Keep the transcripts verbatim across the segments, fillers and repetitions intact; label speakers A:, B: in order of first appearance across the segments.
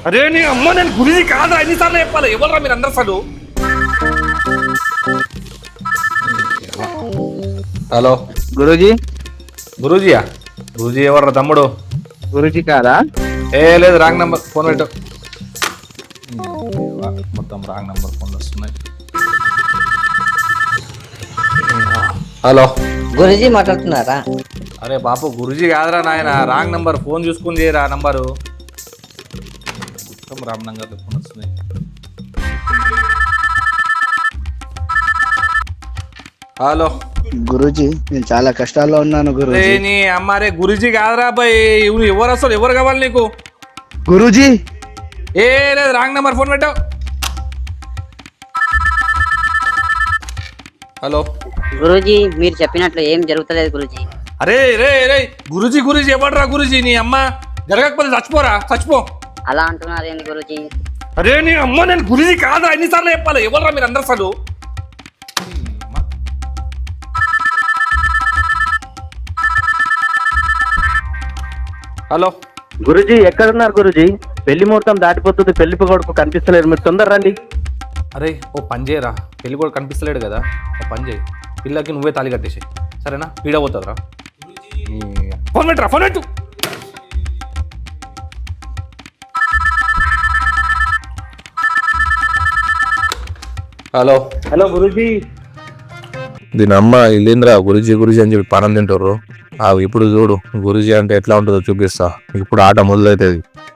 A: అరే నీ అమ్మ నేను గురుజీ కాదా ఎన్నిసార్లు చెప్పాలి ఎవరా మీరు అందరు అసలు. హలో
B: గురూజీ.
A: గురూజీయా? గురూజీ ఎవర్రా తమ్ముడు?
B: గురూజీ కాదా?
A: ఏ లేదు, రాంగ్ నంబర్. ఫోన్ పెట్టు. మొత్తం రాంగ్ నంబర్ ఫోన్లు వస్తున్నాయి. హలో
C: గురూజీ మాట్లాడుతున్నారా?
A: అరే బాపు గురూజీ కాదురా నాయన, రాంగ్ నంబర్. ఫోన్ చూసుకుని చేయరా నంబరు. మొత్తం రామ్ నంగర్ ఫోన్ వస్తున్నాయి. హలో
B: గురూజీ, నేను చాలా కష్టాల్లో ఉన్నాను గురూజీ.
A: నీ అమ్మారే గురూజీ కాదురా బాయ్. ఇవ్వు ఎవరు అసలు ఎవరు కావాలి నీకు?
B: గురూజీ
A: ఏ లేదు, రాంగ్ నంబర్. ఫోన్ పెట్టావు. హలో
C: గురూజీ, మీరు చెప్పినట్లు ఏం జరుగుతలేదు గురూజీ.
A: అరే రే రే గురూజీ గురూజీ ఎవడరా గురూజీ? నీ అమ్మ జరగకపోతే చచ్చిపోరా, చచ్చిపో.
C: అలా అంటున్నారేంటి గురూజీ?
A: అరే నీ అమ్మ నేను గురూజీ కాదా ఎన్నిసార్లు చెప్పాలి ఎవడరా మీరు అందరు అసలు. హలో
D: గురూజీ, ఎక్కడున్నారు గురూజీ? పెళ్లి ముహూర్తం దాటిపోతుంది, పెళ్లి కొడుకు కనిపిస్తలేరు, మీరు తొందర రండి.
A: అరే ఓ పని చేయరా, పెళ్ళి కూడా కనిపిస్తలేడు కదా, ఓ పని చేయి, పిల్లకి నువ్వే తాళి కట్టేసి. సరేనా? పీడ పోతుందిరా. ఫోన్ పెట్టరా, ఫోన్ పెట్టు. Hello
D: hello Guruji.
E: దీని అమ్మ ఇల్లేంద్రా గురుజీ గురుజీ అని చెప్పి పానం తింటారు. ఆ ఇప్పుడు చూడు గురుజీ అంటే ఎట్లా ఉంటుందో చూపిస్తా. ఇప్పుడు ఆట మొదలవుతుంది.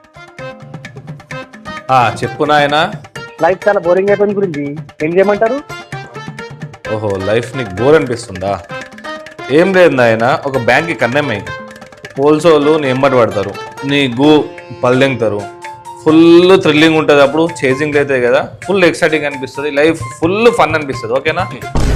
A: చెప్పు నాయనా.
D: లైఫ్ చాలా బోరింగ్ అయిపోయింది గురూజీ, ఏం చేయమంటారు?
A: ఓహో, లైఫ్ నీకు బోర్ అనిపిస్తుందా? ఏం లేదు నాయన, ఒక బ్యాంక్కి కన్నెమ్మాయి పోల్సోళ్ళు నీ ఎంబడి పడతారు, నీ గూ పల్లెంగుతారు, ఫుల్ థ్రిల్లింగ్ ఉంటుంది. అప్పుడు చేజింగ్ అవుతాయి కదా, ఫుల్ ఎక్సైటింగ్ అనిపిస్తుంది, లైఫ్ ఫుల్ ఫన్ అనిపిస్తుంది. ఓకేనా?